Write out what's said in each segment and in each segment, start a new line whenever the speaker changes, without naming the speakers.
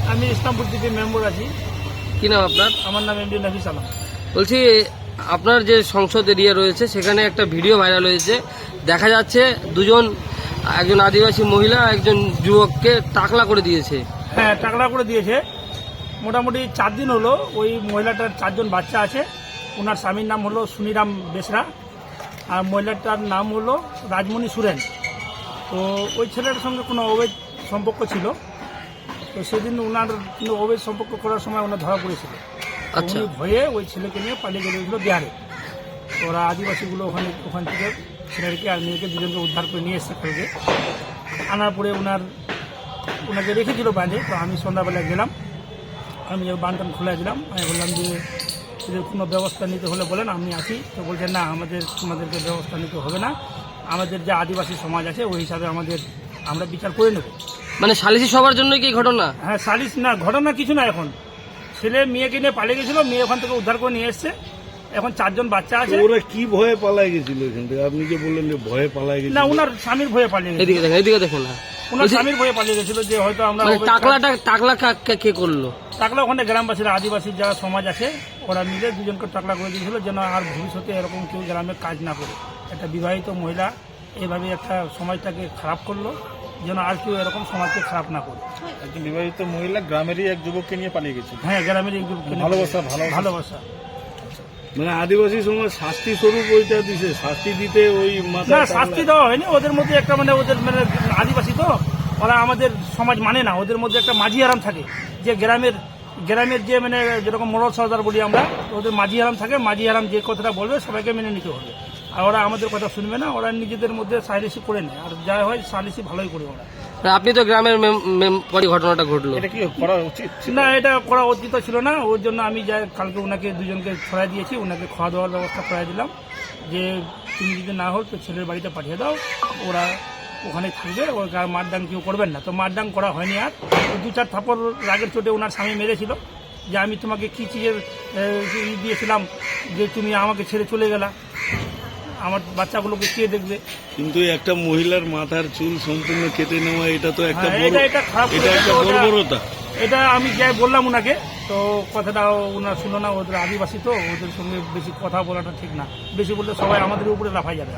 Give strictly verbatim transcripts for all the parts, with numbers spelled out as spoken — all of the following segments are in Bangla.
আমি ইসলামপুর থেকে মেম্বার আছি।
কি নাম আপনার?
আমার নাম এমডি নাফিস আলম।
বলছি আপনার যে সংসদ এরিয়া রয়েছে সেখানে একটা ভিডিও ভাইরাল হয়েছে, দেখা যাচ্ছে দুজন, একজন আদিবাসী মহিলা একজন যুবককে টাকলা করে দিয়েছে।
হ্যাঁ, টাকলা করে দিয়েছে। মোটামুটি চার দিন হলো। ওই মহিলাটার চারজন বাচ্চা আছে। ওনার স্বামীর নাম হলো সুনিরাম বেসরা, আর মহিলাটার নাম হলো রাজমণি সুরেন। তো ওই ছেলেটার সঙ্গে কোনো অবৈধ সম্পর্ক ছিল। তো সেদিন ওনার কিন্তু অবৈধ সম্পর্ক করার সময় ওনার ধরা পড়েছিল।
আচ্ছা।
উনি ভয়ে ওই ছেলেকে নিয়ে পালিয়ে গেছিল বিহারে। ওরা আদিবাসীগুলো ওখানে ওখান থেকে ছেলেকে আর মেয়েকে দুজনকে উদ্ধার করে নিয়ে এসছে কালকে। আনার পরে ওনার ওনাকে রেখেছিল বাঁধে। তো আমি সন্ধ্যাবেলা গেলাম, আমি বাঁধটান খুলে দিলাম। আমি বললাম যে এদের কোনো ব্যবস্থা নিতে হলে বলেন, আমি আছি। তো বলছেন না, আমাদের তোমাদেরকে ব্যবস্থা নিতে হবে না, আমাদের যে আদিবাসী সমাজ আছে ওই হিসাবে আমাদের আমরা বিচার করে নেব।
মানে সালিসি সবার জন্য কি ঘটনা?
হ্যাঁ, সালিশ না, ঘটনা কিছু না। এখন ছেলে মেয়েকে নিয়ে পালিয়ে গেছিল, মেয়ে ওখান থেকে উদ্ধার করে নিয়ে এসছে। এখন চারজন বাচ্চা আছে।
ওরা কি ভয়ে পালাই গেছিল এখান থেকে? আপনি যে বললেন যে ভয়ে পালাই গেছিল।
না, ওনার স্বামীর ভয়ে পালিয়ে গেছিল।
এদিকে দেখেন, এদিকে দেখেন না,
ওনার স্বামীর ভয়ে পালিয়ে গেছিল যে হয়তো আমরা
মানে টাকলাটা টাকলা কা- কে- কে করলো?
টাকলা ওখানে গ্রামবাসীরা, আদিবাসী যারা সমাজ আছে ওরা মিলে দুজনকে টাকলা করে দিয়েছিল, যেন আর ভবিষ্যতে এরকম কেউ গ্রামে কাজ না করে। একটা বিবাহিত মহিলা এইভাবে একটা সমাজটাকে খারাপ করলো, যেন আর কেউ এরকম সমাজকে খারাপ না করে।
একজন বিবাহিত মহিলা গ্রামেরই এক যুবককে নিয়ে পালিয়ে গেছে।
হ্যাঁ, গ্রামের এই গ্রুপকে নিয়ে-
ভালোবাসা, ভালোবাসা।
ভালোবাসা।
মানে আদিবাসী সমাজ শাস্তি স্বরূপ ওইটা দিছে, শাস্তি দিতে ওই
না,
মাথা
শাস্তি দেওয়া হয়নি। ওদের মধ্যে একটা মানে ওদের মানে আদিবাসী তো ওরা আমাদের সমাজ মানে না। ওদের মধ্যে একটা মাঝি আরাম থাকে, যে গ্রামের গ্রামের যে মানে যেরকম মোড়ল সর্দার বলি আমরা, তো ওদের মাঝি আরাম থাকে। মাঝি আরাম যে কথাটা বলবে সবাইকে মেনে নিতে হবে। আর ওরা আমাদের কথা শুনবে না, ওরা নিজেদের মধ্যে সালিসি করে নেয়। আর যা হয় সালিসি ভালোই করে ওরা।
আপনি তো গ্রামের মেম্বারই ঘটনাটা ঘটলো,
এটা কি করা উচিত ছিল?
না, এটা করা উচিত ছিল না। ওর জন্য আমি যাই কালকে ওনাকে দুজনকে ছড়াই দিয়েছি, ওনাকে খাওয়া দাওয়ার ব্যবস্থা করাই দিলাম, যে তুমি যদি না হোক তো ছেলের বাড়িতে পাঠিয়ে দাও, ওরা ওখানে থাকবে, ওর গায়ে মারদাং কেউ করবেন না। তো মারদাং করা হয়নি। আর ওই দু চার থাপড় রাগের চোটে ওনার স্বামী মেরেছিল, যে আমি তোমাকে কী চিজের ই দিয়েছিলাম যে তুমি আমাকে ছেড়ে চলে গেলা, আমার বাচ্চাগুলোকে কে দেখবে।
কিন্তু একটা মহিলার মাথার চুল সম্পূর্ণ কেটে নেওয়া, এটা তো একটা
হ্যাঁ,
বড়,
এটা এটা খারাপ
এটা একটা
করেছে। ওটা-
বর্বরতা।
এটা আমি যাই বললাম ওনাকে, তো কথাটা ওনার শুনো না। ওদের আদিবাসী তো, ওদের সঙ্গে বেশি কথা বলাটা ঠিক না। বেশি বললে সবাই আমাদের উপরে লাফাই যাবে।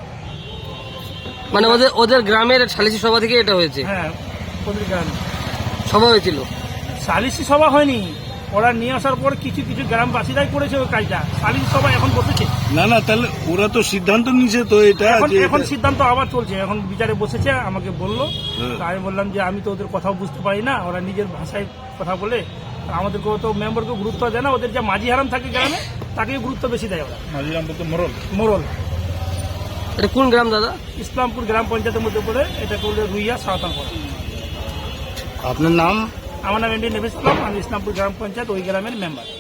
মানে ওদের ওদের গ্রামের সালিসি সভা থেকে এটা হয়েছে?
হ্যাঁ, ওদের গ্রামে
সভা হয়েছিল?
সালিসি সভা হয়নি। ওরা নিয়ে আসার পর কিছু কিছু গ্রামবাসীরাই করেছে ওই কাজটা। সালিসি সভা এখন বসেছে।
না না, তাহলে ওরা তো সিদ্ধান্ত নিছে তো এটা
এখন
যে
এখন সিদ্ধান্ত আবার চলছে। এখন বিচারে বসেছে, আমাকে বললো।
হ্যাঁ।
তো আমি বললাম যে আমি তো ওদের কথাও বুঝতে পারি না, ওরা নিজের ভাষায় কথা বলে। আমাদেরকেও তো মেম্বারকে গুরুত্ব দেয় না। ওদের যে মাঝি হারাম থাকে গ্রামে, তাকেই গুরুত্ব বেশি দেয় ওরা।
মাঝিরাম বলতে মোরল।
মোরল
এটা কোন গ্রাম দাদা?
ইসলামপুর গ্রাম পঞ্চায়েতের মধ্যে পড়ে। এটা করলে রুইয়া সাঁওতাল পড়ে।
আপনার নাম?
আমার নাম এমডি নাফিস আলম। আমি ইসলামপুর গ্রাম পঞ্চায়েত ওই গ্রামের মেম্বার।